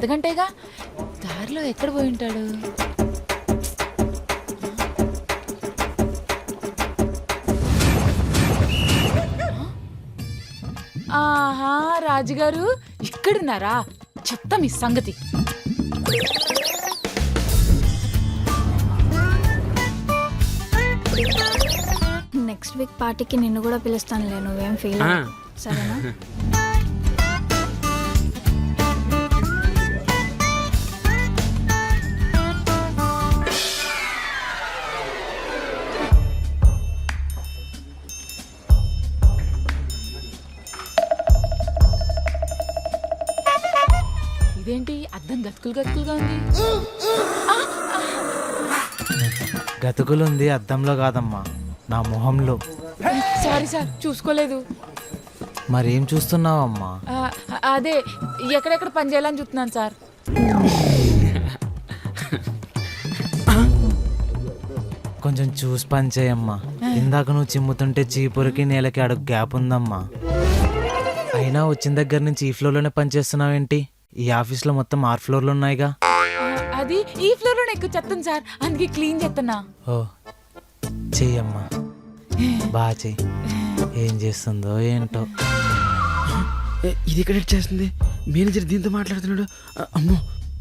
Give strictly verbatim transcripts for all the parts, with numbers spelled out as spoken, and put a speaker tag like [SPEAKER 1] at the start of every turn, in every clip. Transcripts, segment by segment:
[SPEAKER 1] అర్ధగంటేగా. దారిలో ఎక్కడ పోయి ఉంటాడు? ఆహా, రాజుగారు ఇక్కడున్నారా? చెప్తా మీ సంగతి.
[SPEAKER 2] నెక్స్ట్ వీక్ పార్టీకి నిన్ను కూడా పిలుస్తానులే, నువ్వేం ఫీల్ అవ్వకు, సరేనా?
[SPEAKER 1] ఇదేంటి అద్దం గతుకులు గతుకులుగా ఉంది?
[SPEAKER 3] గతుకులుంది అద్దంలో కాదమ్మా, నా మొహంలో.
[SPEAKER 1] సారీ సార్, చూసుకోలేదు.
[SPEAKER 3] మరేం చూస్తున్నావమ్మా?
[SPEAKER 1] ఆ, అదే ఎక్కడెక్కడ పని చేయాలని చూస్తున్నాను సార్.
[SPEAKER 3] కొంచెం చూసి పని చేయమ్మా. ఇందాక నువ్వు చిమ్ముతుంటే చీపురికి నేలకి అడుగు గ్యాప్ ఉందమ్మా. అయినా వచ్చిన దగ్గర నుంచి ఈ ఫ్లోర్లోనే పని చేస్తున్నావేంటి? ఈ ఆఫీస్లో మొత్తం ఆరు ఫ్లోర్లు ఉన్నాయిగా.
[SPEAKER 1] అది ఈ ఫ్లోర్ లో ఎక్కువ చెత్తాను సార్, అందుకే క్లీన్ చేస్తున్నా.
[SPEAKER 3] ఓ చెయ్యమ్మా, బాగా చెయ్యి. ఏం చేస్తుందో ఏంటో.
[SPEAKER 4] ఇది ఇక్కడ చేస్తుంది. మేనేజర్ దీంతో మాట్లాడుతున్నాడు. అమ్మో,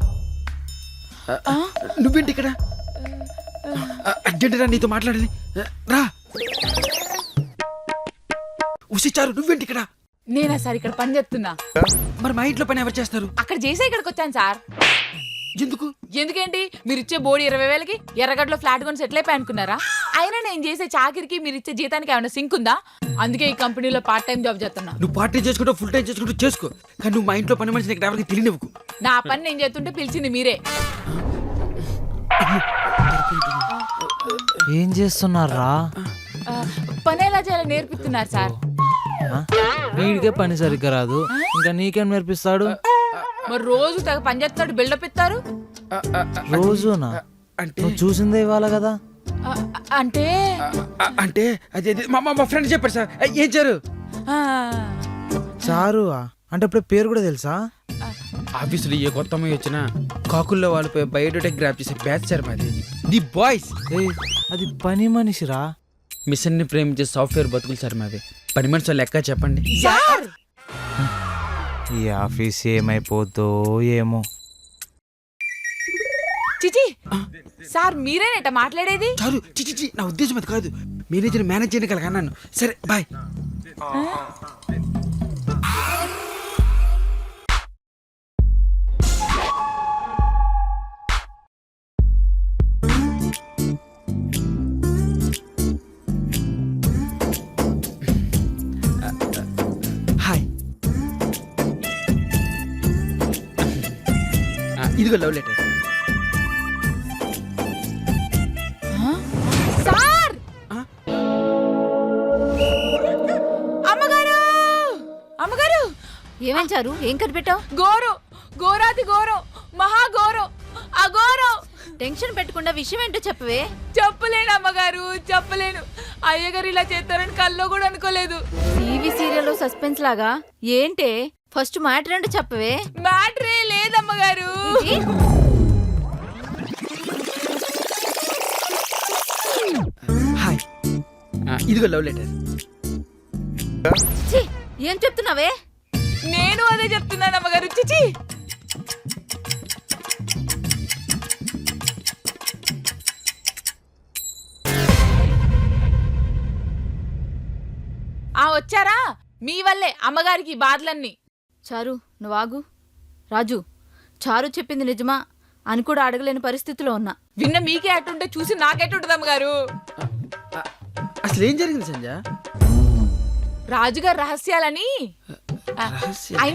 [SPEAKER 4] నువ్వేంటి ఇక్కడ? అర్జెంట్ రా, నీతో మాట్లాడాలి, రా. ఉసిచారు, నువ్వేంటి ఇక్కడ?
[SPEAKER 1] నేనా సార్ ఇక్కడ పని చేస్తున్నా.
[SPEAKER 4] మరి మా ఇంట్లో పని ఎవరు చేస్తారు?
[SPEAKER 1] అక్కడ చేసే ఇక్కడికి వచ్చాను సార్.
[SPEAKER 4] ఎందుకు?
[SPEAKER 1] ఎందుకేంటి, మీరు ఇచ్చే బోడి ఇరవై వేలకి ఎర్రగడ్డలో ఫ్లాట్ కొని సెటిల్ అయిపోయి అనుకున్నారా? అయినా నేను చేసే చాకిరికి మీరు ఇచ్చే జీతానికి ఏమైనా సింక్ ఉందా? అందుకే ఈ కంపెనీలో పార్ట్ టైం జాబ్ చేస్తున్నా.
[SPEAKER 4] నువ్వు పార్ట్ టైం చేసుకుంటూ ఫుల్ టైం చేసుకుంటూ చేసుకో, కానీ నువ్వు మా ఇంట్లో పని మనిషిని ఇక్కడ ఎవరికి తెలియనివ్వకు.
[SPEAKER 1] నా పని నేను చేస్తుంటే పిలిచింది మీరే.
[SPEAKER 3] ఏం చేస్తున్నారా?
[SPEAKER 1] ఆ, పని ఎలా చేయాలో నేర్పిస్తున్నారు సార్.
[SPEAKER 3] వీడికే పని సరిగ్గా రాదు, ఇంకా నీకేం నేర్పిస్తాడు?
[SPEAKER 1] మరి రోజు తెగ పని చేస్తున్నాడు, బిల్డప్ ఇస్తారు.
[SPEAKER 3] రోజునా?
[SPEAKER 4] అంటే
[SPEAKER 3] నువ్వు చూసిందే ఇవ్వాలి కదా.
[SPEAKER 1] ఆ, అంటే
[SPEAKER 4] అంటే అదే అదే మా మా ఫ్రెండ్ చెప్పారు సార్. ఏం చారు?
[SPEAKER 1] ఆ,
[SPEAKER 3] చారు అంటే ఇప్పుడు పేరు కూడా తెలుసా?
[SPEAKER 4] ఆఫీసులో ఏ కొత్త అమ్మాయి వచ్చినా కాకుల్లో వాళ్ళపై బయోడేటా గ్రాప్ చేసే బ్యాచ్ సార్ మాది. The boys.
[SPEAKER 3] ఏయ్, అది పని మనిషిరా.
[SPEAKER 4] మిషన్ ని ప్రేమించే సాఫ్ట్వేర్ బతుకులు సార్ మాది. పని మనిషి లెక్క చెప్పండి.
[SPEAKER 1] సార్
[SPEAKER 3] ఈ ఆఫీస్ ఏమైపోద్దో ఏమో.
[SPEAKER 1] చిచి సార్, మీరేనేట మాట్లాడేది?
[SPEAKER 4] చాలు, చిచి, నా ఉద్దేశం అది కాదు. మేనేజర్ మేనేజ్ చేయని కలగా అన్నాను. సరే బాయ్. హాయ్, ఇదిగో లవ్ లెటర్.
[SPEAKER 1] సార్, అమ్మగారు అమ్మగారు
[SPEAKER 2] ఏమంచారు? ఏం కనిపెట్టావు?
[SPEAKER 1] గోరు, గోరాది గోరం, మహాఘోరం, అఘోరం.
[SPEAKER 2] టెన్షన్ పెట్టకుండా విషయం ఏంటో చెప్పవే.
[SPEAKER 1] చెప్పలేను అమ్మగారు, చెప్పలేను. అయ్యగారు ఇలా చేస్తారని కల్లో కూడా అనుకోలేదు.
[SPEAKER 2] టీవీ సీరియల్ సస్పెన్స్ లాగా ఏంటే? ఫస్ట్ మ్యాటర్ ఏంటో చెప్పవే.
[SPEAKER 1] మ్యాటరే లేదమ్మగారు.
[SPEAKER 4] హాయ్, ఇదిగో లవ్ లెటర్.
[SPEAKER 2] ఛీ, ఏం చెప్తున్నావే?
[SPEAKER 1] నేను అదే చెప్తున్నాను అమ్మగారు. చిచి, ఆ వచ్చారా? మీ వల్లే అమ్మగారికి బాధలన్నీ.
[SPEAKER 2] చారు, నువ్వు ఆగు. రాజు, చారు చెప్పింది నిజమా అని కూడా అడగలేని పరిస్థితిలో ఉన్నా.
[SPEAKER 1] విన్న మీకే అటుంటే చూసి నాకెటుంటది అమ్మగారు.
[SPEAKER 4] అసలు ఏం జరిగింది సంజయ్?
[SPEAKER 1] రాజుగారి రహస్యాలని
[SPEAKER 4] రహస్యం?